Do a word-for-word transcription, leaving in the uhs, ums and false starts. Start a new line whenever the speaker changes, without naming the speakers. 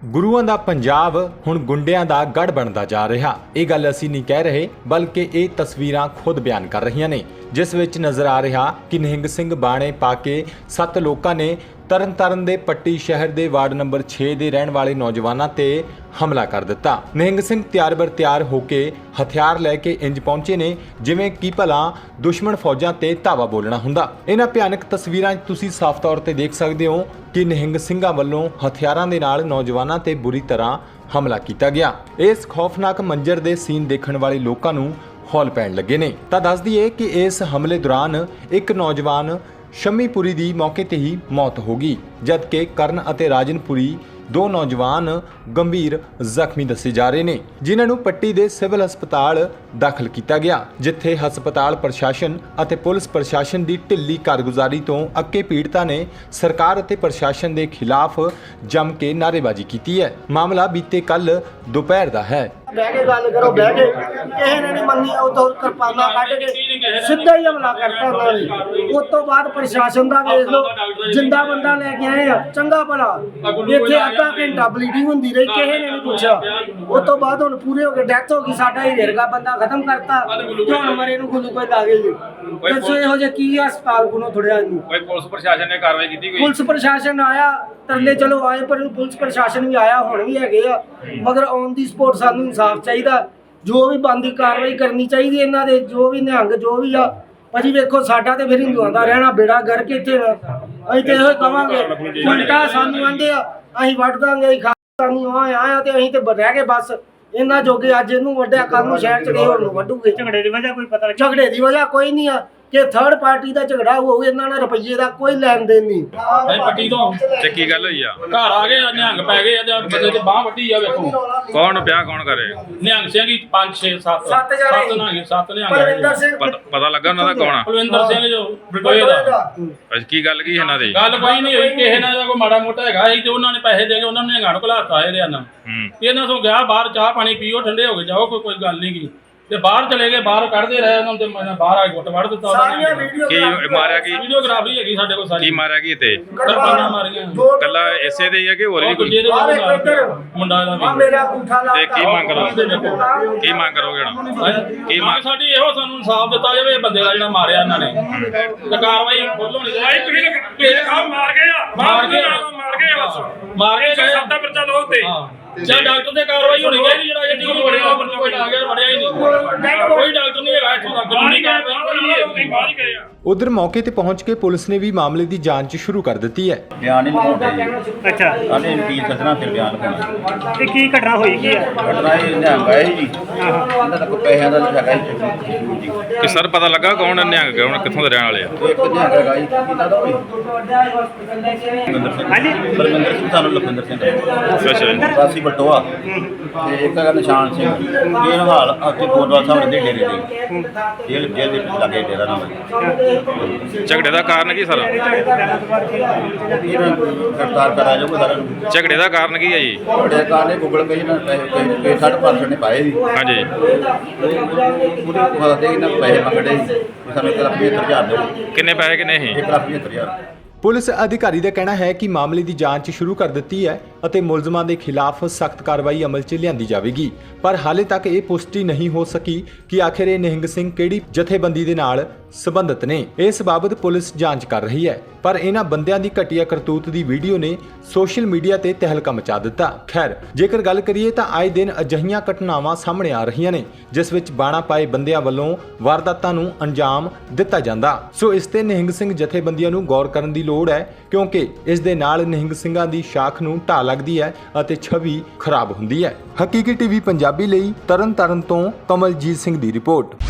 ਗੁਰੂਆਂ ਦਾ ਪੰਜਾਬ ਹੁਣ ਗੁੰਡਿਆਂ ਦਾ ਗੜ ਬਣਦਾ ਜਾ ਰਿਹਾ। ਇਹ ਗੱਲ ਅਸੀਂ ਨਹੀਂ ਕਹਿ ਰਹੇ, ਬਲਕਿ ਇਹ ਤਸਵੀਰਾਂ ਖੁਦ ਬਿਆਨ ਕਰ ਰਹੀਆਂ ਨੇ, ਜਿਸ ਵਿੱਚ ਨਜ਼ਰ ਆ ਰਿਹਾ ਕਿ ਨਿਹੰਗ ਸਿੰਘ ਬਾਣੇ ਪਾ ਕੇ ਸੱਤ ਲੋਕਾਂ ਨੇ ਤਰਨਤਾਰਨ ਦੇ ਪੱਟੀ ਸ਼ਹਿਰ ਦੇ ਵਾਰਡ ਨੰਬਰ ਛੇ ਦੇ ਰਹਿਣ ਵਾਲੇ ਨੌਜਵਾਨਾਂ ਤੇ ਹਮਲਾ ਕਰ ਦਿੱਤਾ। ਨਿਹੰਗ ਸਿੰਘ ਤਿਆਰ ਬਰ ਤਿਆਰ ਹੋ ਕੇ ਹਥਿਆਰ ਲੈ ਕੇ ਇੰਜ ਪਹੁੰਚੇ ਨੇ ਜਿਵੇਂ ਕਿ ਭਲਾ ਦੁਸ਼ਮਣ ਫੌਜਾਂ ਤੇ ਧਾਵਾ ਬੋਲਣਾ ਹੁੰਦਾ। ਇਹਨਾਂ ਭਿਆਨਕ ਤਸਵੀਰਾਂ 'ਚ ਤੁਸੀਂ ਸਾਫ਼ ਤੌਰ ਤੇ ਦੇਖ ਸਕਦੇ ਹੋ ਕਿ ਨਿਹੰਗ ਸਿੰਘਾਂ ਵੱਲੋਂ ਹਥਿਆਰਾਂ ਦੇ ਨਾਲ ਨੌਜਵਾਨਾਂ ਤੇ ਬੁਰੀ ਤਰ੍ਹਾਂ ਹਮਲਾ ਕੀਤਾ ਗਿਆ। ਇਸ ਖੌਫਨਾਕ ਮੰਜ਼ਰ ਦੇ ਸੀਨ ਦੇਖਣ ਵਾਲੇ ਲੋਕਾਂ ਨੂੰ ਹੌਲ ਪੈਣ ਲੱਗੇ ਨੇ। ਤਾਂ ਦੱਸ ਦਈਏ ਕਿ ਇਸ ਹਮਲੇ ਦੌਰਾਨ ਇੱਕ ਨੌਜਵਾਨ ਸ਼ਮੀਪੁਰੀ ਦੀ ਮੌਕੇ ਤੇ ਹੀ ਮੌਤ ਹੋ ਗਈ, ਜਦਕਿ ਕਰਨ ਅਤੇ ਰਾਜਨਪੁਰੀ ਦੋ ਨੌਜਵਾਨ ਗੰਭੀਰ ਜ਼ਖਮੀ ਦੱਸੇ ਜਾ ਰਹੇ ਨੇ, ਜਿਨ੍ਹਾਂ ਨੂੰ ਪੱਟੀ ਦੇ ਸਿਵਲ ਹਸਪਤਾਲ ਦਾਖਲ ਕੀਤਾ ਗਿਆ, ਜਿੱਥੇ ਹਸਪਤਾਲ ਪ੍ਰਸ਼ਾਸਨ ਅਤੇ ਪੁਲਿਸ ਪ੍ਰਸ਼ਾਸਨ ਦੀ ਢਿੱਲੀ ਕਾਰਗੁਜ਼ਾਰੀ ਤੋਂ ਅੱਕੇ ਪੀੜਤਾਂ ਨੇ ਸਰਕਾਰ ਅਤੇ ਪ੍ਰਸ਼ਾਸਨ ਦੇ ਖਿਲਾਫ ਜੰਮ ਕੇ ਨਾਅਰੇਬਾਜ਼ੀ ਕੀਤੀ ਹੈ। ਮਾਮਲਾ ਬੀਤੇ ਕੱਲ ਦੁਪਹਿਰ ਦਾ ਹੈ।
ਬਹਿ ਕੇ ਗੱਲ ਕਰੋ, ਬਹਿ ਕੇ ਕਿਸੇ ਨੇ ਨਹੀਂ ਮੰਨੀ। ਉਦੋਂ ਕਿਰਪਾਨਾਂ ਕੱਢ ਕੇ ਸਿੱਧਾ ਹੀ ਹਮਲਾ ਕਰਤਾ ਉਹਨਾਂ ਨੇ। ਉਸ ਤੋਂ ਬਾਅਦ ਪ੍ਰਸ਼ਾਸਨ ਦਾ ਵੇਖ ਲਓ, ਜਿੰਦਾ ਬੰਦਾ ਲੈ ਕੇ ਆਏ ਆ, ਚੰਗਾ ਭਲਾ ਇੱਥੇ ਅੱਧਾ ਘੰਟਾ ਬਲੀਡਿੰਗ ਹੁੰਦੀ ਰਹੀ, ਕਿਸੇ ਨੇ ਨਹੀਂ ਪੁੱਛਿਆ। ਉਸ ਤੋਂ ਬਾਅਦ ਹੁਣ ਪੂਰੇ ਹੋ ਕੇ ਡੈਥ ਹੋ ਗਈ, ਸਾਡਾ ਹੀ ਰੇਰਗਾ ਬੰਦਾ ਖਤਮ ਕਰਤਾ ਤੇ ਹੁਣ ਮਰੇ ਨੂੰ ਖੁਦ ਕੋਈ ਦਾਗੇ ਜੀ। ਦੱਸੋ ਇਹੋ ਜਿਹਾ ਕੀ ਹਸਪਤਾਲ ਕੋਲੋਂ ਥੋੜਿਆ ਇਹਨੂੰ।
ਕੋਈ ਪੁਲਿਸ ਪ੍ਰਸ਼ਾਸਨ ਨੇ ਕਾਰਵਾਈ ਕੀਤੀ? ਕੋਈ
ਪੁਲਿਸ ਪ੍ਰਸ਼ਾਸਨ ਆਇਆ, ਤਰਲੇ ਚਲੋ ਆਏ, ਪਰ ਪੁਲਿਸ ਪ੍ਰਸ਼ਾਸਨ ਵੀ ਆਇਆ, ਹੁਣ ਵੀ ਹੈਗੇ ਆ, ਮਗਰ ਔਨ ਦੀ ਸਪੋਰਟ ਸਾਨੂੰ ਇਨਸਾਫ ਚਾਹੀਦਾ। ਜੋ ਵੀ ਬਣਦੀ ਕਾਰਵਾਈ ਕਰਨੀ ਚਾਹੀਦੀ ਇਹਨਾਂ ਦੇ, ਜੋ ਵੀ ਨਿਹੰਗ ਜੋ ਵੀ ਆ। ਭਾਜੀ ਵੇਖੋ, ਸਾਡਾ ਤੇ ਫਿਰ ਹਿੰਦੂਆਂ ਦਾ ਰਹਿਣਾ ਬੇੜਾ ਗਰ ਕੇ ਇੱਥੇ ਅਸੀਂ ਤੇ ਇਹੋ ਕਵਾਂਗੇ, ਉਲਟਾ ਸਾਨੂੰ ਆਂਦੇ ਆ ਅਸੀਂ ਵੱਢ ਦਾਂਗੇ, ਅਸੀਂ ਖਾ ਸਾਨੂੰ ਆਇਆ ਤੇ ਅਸੀਂ ਤੇ ਰਹਿ ਗਏ ਬਸ ਇਹਨਾਂ ਜੋਗੇ। ਅੱਜ ਇਹਨੂੰ ਵੱਢਿਆ, ਕੱਲ ਨੂੰ ਸ਼ਹਿਰ ਚ ਗਏ, ਹੋਰ ਨੂੰ ਵੱਢੂਗੇ। ਝਗੜੇ ਦੀ ਵਜ੍ਹਾ ਕੋਈ ਪਤਾ ਨਹੀਂ, ਝਗੜੇ ਦੀ ਵਜ੍ਹਾ ਕੋਈ ਨਹੀਂ ਆ ਕਿ ਥਰਡ ਪਾਰਟੀ ਦਾ ਝਗੜਾ ਹੋਊ, ਇਹਨਾਂ ਨਾਲ ਰੁਪਈਏ ਦਾ ਕੋਈ ਲੈਣ ਦੇਣ ਨਹੀਂ।
ਨਹੀਂ ਪੱਟੀ ਤੋਂ
ਤੇ ਕੀ ਗੱਲ ਹੋਈ ਆ?
ਘਰ ਆ ਗਏ, ਨਿਹੰਗ ਪੈ ਗਏ ਤੇ ਬੰਦੇ ਤੇ ਬਾਹ ਵੱਢੀ ਆ। ਵੇਖੋ
ਕੌਣ ਪਿਆ, ਕੌਣ ਕਰੇ?
ਨਿਹੰਗ ਸਿੰਘ ਹੀ ਪੰਜ ਛੇ ਸੱਤ
ਸੱਤ ਜਣੇ
ਸੱਤ ਨਿਹੰਗ ਸੱਤ ਨਿਹੰਗ
ਪਰਵਿੰਦਰ ਸਿੰਘ,
ਪਤ- ਪਤਾ ਲੱਗਾ ਉਹਨਾਂ ਦਾ ਕੌਣ ਆ?
ਕੁਲਵਿੰਦਰ ਸਿੰਘ ਜੋ ਬਟੋਏ ਦਾ।
ਅੱਜ ਕੀ ਗੱਲ ਕੀ ਇਹਨਾਂ ਦੀ?
ਗੱਲ ਕੋਈ ਨਹੀਂ ਹੋਈ, ਕਿਸੇ ਨਾਲ ਦਾ ਕੋਈ ਮਾੜਾ ਮੋਟਾ ਹੈਗਾ ਸੀ ਤੇ ਉਹਨਾਂ ਨੇ ਪੈਸੇ ਦੇ ਕੇ ਉਹਨਾਂ ਨੇ ਨਿਹੰਗਾਂ ਨੂੰ ਘਲਾਤਾ ਇਹਦੇ ਨਾਲ।
ਹੂੰ
ਇਹਨਾਂ ਤੋਂ ਗਿਆ ਬਾਹਰ, ਚਾਹ ਪਾਣੀ ਪੀਓ, ਠੰਡੇ ਹੋ ਕੇ ਜਾਓ, ਕੋਈ ਕੋਈ ਗੱਲ ਨਹੀਂ ਗੀ। ਤੇ ਬਾਹਰ ਚਲੇ ਗਏ, ਬਾਹਰ ਕੱਢਦੇ ਰਹੇ ਉਹਨਾਂ ਤੇ ਮੈਂ ਬਾਹਰ ਆ ਕੇ ਗੁੱਟ ਵੜ ਦਿੱਤਾ ਉਹਨਾਂ
ਸਾਰੀਆਂ
ਨੇ।
ਵੀਡੀਓ
ਕੀ ਮਾਰਿਆ ਕੀ?
ਵੀਡੀਓਗ੍ਰਾਫੀ ਹੈਗੀ ਸਾਡੇ ਕੋਲ ਸਾਰੀ।
ਕੀ ਮਾਰਿਆ ਕੀ ਤੇ?
ਕਿਰਪਾਨਾਂ ਮਾਰੀਆਂ।
ਕੱਲਾ ਇਸੇ ਦੇ ਹੀ ਆ ਕਿ ਹੋਰ ਵੀ ਕੋਈ?
ਦੂਜੇ ਦੇ ਨਾਲ ਮੁੰਡਾ ਦਾ
ਆ
ਵੀ।
ਮੇਰਾ ਅੰਗੂਠਾ ਲਾ
ਤੇ ਕੀ ਮੰਗ ਕਰੋਗੇ? ਕੀ ਮੰਗ ਕਰੋਗੇ ਹੁਣ?
ਕੀ ਮੰਗ ਸਾਡੀ ਇਹੋ, ਸਾਨੂੰ ਇਨਸਾਫ ਦਿੱਤਾ ਜਾਵੇ। ਇਹ ਬੰਦੇ ਦਾ ਜਿਹੜਾ ਮਾਰਿਆ ਇਹਨਾਂ ਨੇ ਤੇ ਕਾਰਵਾਈ ਫੁੱਲ ਹੋਣੀ ਚਾਹੀਦੀ।
ਮਾਰ ਗਏ ਆ,
ਮਾਰ ਕੇ
ਮਾਰ ਗਏ ਆ, ਬਸ
ਮਾਰ ਕੇ ਗਏ।
ਸਾਡਾ ਪਰਚਾ ਲਓ ਤੇ
ਜਾਂ ਡਾਕਟਰ ਤੇ ਕਾਰਵਾਈ ਹੋਣੀ ਚਾਹੀਦੀ। ਜਿਹੜਾ ਇਹ ਟੀਮ ਵੜਿਆ ਕੋਈ ਆ ਗਿਆ, ਵੜਿਆ ਹੀ ਨਹੀਂ। ਕੋਈ ਡਾਕਟਰ ਨਹੀਂ ਹੈਗਾ ਇੱਥੋਂ ਦਾ, ਕਾਨੂੰਨੀ ਕਾਰਵਾਈ ਕੋਈ ਨਹੀਂ ਹੈਗੀ।
ਬਾਹਰ ਹੀ ਗਏ ਆ।
ਉਧਰ ਮੌਕੇ ਤੇ ਪਹੁੰਚ ਕੇ ਪੁਲਿਸ ਨੇ ਵੀ ਮਾਮਲੇ ਦੀ ਜਾਂਚ ਸ਼ੁਰੂ ਕਰ ਦਿੱਤੀ ਹੈ।
ਬਿਆਨ ਹੀ ਲਗਾਉਂਦੇ
ਅੱਛਾ,
ਆਨੇ ਵਕੀਲ ਸੱਜਣਾ ਫਿਰ ਬਿਆਨ ਲਗਾਉਣਾ।
ਤੇ ਕੀ ਘਟਨਾ ਹੋਈ ਕੀ ਹੈ?
ਘਟਨਾ ਇਹ ਨਿਹੰਗ ਆਏ ਜੀ, ਇਹਨਾਂ ਦਾ ਕੋਈ ਪੈਸਿਆਂ ਦਾ ਨਹੀਂ ਹੈਗਾ ਜੀ।
ਕਿ ਸਰ ਪਤਾ ਲੱਗਾ ਕੌਣ ਨਿਹੰਗ ਕੌਣ ਕਿੱਥੋਂ ਦੇ ਰਹਿਣ ਵਾਲੇ ਆ?
ਇੱਕ ਨਿਹੰਗ ਹੈਗਾ ਜੀ, ਕਿਹਨਾਂ ਦਾ ਹੋਈ? ਲਖਵਿੰਦਰ ਸਿੰਘ।
ਹਾਂਜੀ,
ਬਲਵਿੰਦਰ ਸਿੰਘ, ਸਾਨੂੰ ਲਖਵਿੰਦਰ ਸਿੰਘ
ਅੱਛਾ ਜੀ।
ਵਾਸੀ ਬਟੋਆ, ਤੇ ਇੱਕ ਹੈਗਾ ਨਿਸ਼ਾਨ ਸਿੰਘ। ਇਹ ਹਾਲ ਅੱਗੇ ਗੋਦਵਾਲ ਸਾਹਿਬ ਦੇ ਡੇਰੇ ਦੇ ਜੇਲ੍ਹ ਜੇਲ੍ਹ ਦੇ ਲਾਗੇ ਡੇਰਾ ਨਾਮ ਹੈ।
ਝਗੜੇ ਦਾ ਕਾਰਨ ਕੀ ਸਰ?
ਇਹਨਾਂ ਨੂੰ ਗ੍ਰਿਫਤਾਰ ਕਰਾਇਆ ਜਾਊਗਾ ਸਾਰਿਆਂ ਨੂੰ।
ਝਗੜੇ ਦਾ ਕਾਰਨ ਕੀ ਹੈ ਜੀ?
ਬੜੇ ਕਾਰਨੇ ਗੂਗਲ ਪੇ ਨਾਲ ਪੈਸੇ ਸਾਢੇ ਪੰਜ ਸੌ ਨੇ ਪਾਏ ਸੀ।
ਹਾਂਜੀ
ਪੂਰੇ ਕੋਲ ਦੇ ਇਹਨਾਂ ਪੈਸੇ ਮੰਗੜੇ ਸੀ, ਸਾਨੂੰ ਇੱਕ ਲੱਖ ਪਝੱਤਰ ਹਜ਼ਾਰ ਦਿਓ।
ਕਿੰਨੇ ਪੈਸੇ ਕਿੰਨੇ ਸੀ?
ਇੱਕ ਲੱਖ ਪਝੱਤਰ ਹਜ਼ਾਰ।
ਪੁਲਿਸ ਅਧਿਕਾਰੀ ਦਾ ਕਹਿਣਾ ਹੈ ਕਿ ਮਾਮਲੇ ਦੀ ਜਾਂਚ ਸ਼ੁਰੂ ਕਰ ਦਿੱਤੀ ਹੈ ਅਤੇ ਮੁਲਜ਼ਮਾਂ ਦੇ ਖਿਲਾਫ ਸਖਤ ਕਾਰਵਾਈ ਅਮਲ 'ਚ ਲਿਆਂਦੀ ਜਾਵੇਗੀ, ਪਰ ਹਾਲੇ ਤੱਕ ਇਹ ਪੁਸ਼ਟੀ ਨਹੀਂ ਹੋ ਸਕੀ ਕਿ ਆਖਿਰ ਇਹ ਨਿਹੰਗ ਸਿੰਘ ਕਿਹੜੀ ਜਥੇਬੰਦੀ ਦੇ ਨਾਲ ਸੰਬੰਧਿਤ ਨੇ। ਇਸ ਬਾਬਤ ਪੁਲਿਸ ਜਾਂਚ ਕਰ ਰਹੀ ਹੈ, ਪਰ ਇਹਨਾਂ ਬੰਦਿਆਂ ਦੀ ਘਟੀਆ ਕਰਤੂਤ ਦੀ ਵੀਡੀਓ ਨੇ ਸੋਸ਼ਲ ਮੀਡੀਆ ਤੇ ਤਹਿਲਕਾ ਮਚਾ ਦਿੱਤਾ। ਖੈਰ, ਜੇਕਰ ਗੱਲ ਕਰੀਏ ਤਾਂ ਆਏ ਦਿਨ ਅਜਿਹੀਆਂ ਘਟਨਾਵਾਂ ਸਾਹਮਣੇ ਆ ਰਹੀਆਂ ਨੇ ਜਿਸ ਵਿੱਚ ਬਾਣਾ ਪਾਏ ਬੰਦਿਆਂ ਵੱਲੋਂ ਵਾਰਦਾਤਾਂ ਨੂੰ ਅੰਜਾਮ ਦਿੱਤਾ ਜਾਂਦਾ। ਸੋ ਇਸ ਤੇ ਨਿਹੰਗ ਸਿੰਘ ਜਥੇਬੰਦੀਆਂ ਨੂੰ ਗੌਰ ਕਰਨ ਦੀ ਲੋੜ ਹੈ, ਕਿਉਂਕਿ ਇਸ ਦੇ ਨਾਲ ਨਿਹੰਗ ਸਿੰਘਾਂ ਦੀ ਸ਼ਾਖ ਨੂੰ ਢਾਹ ਲੱਗਦੀ ਹੈ ਅਤੇ ਛਵੀ ਖਰਾਬ ਹੁੰਦੀ ਹੈ। ਹਕੀਕੀ ਟੀਵੀ ਪੰਜਾਬੀ ਲਈ ਤਰਨਤਾਰਨ ਤੋਂ ਕਮਲਜੀਤ ਸਿੰਘ ਦੀ ਰਿਪੋਰਟ।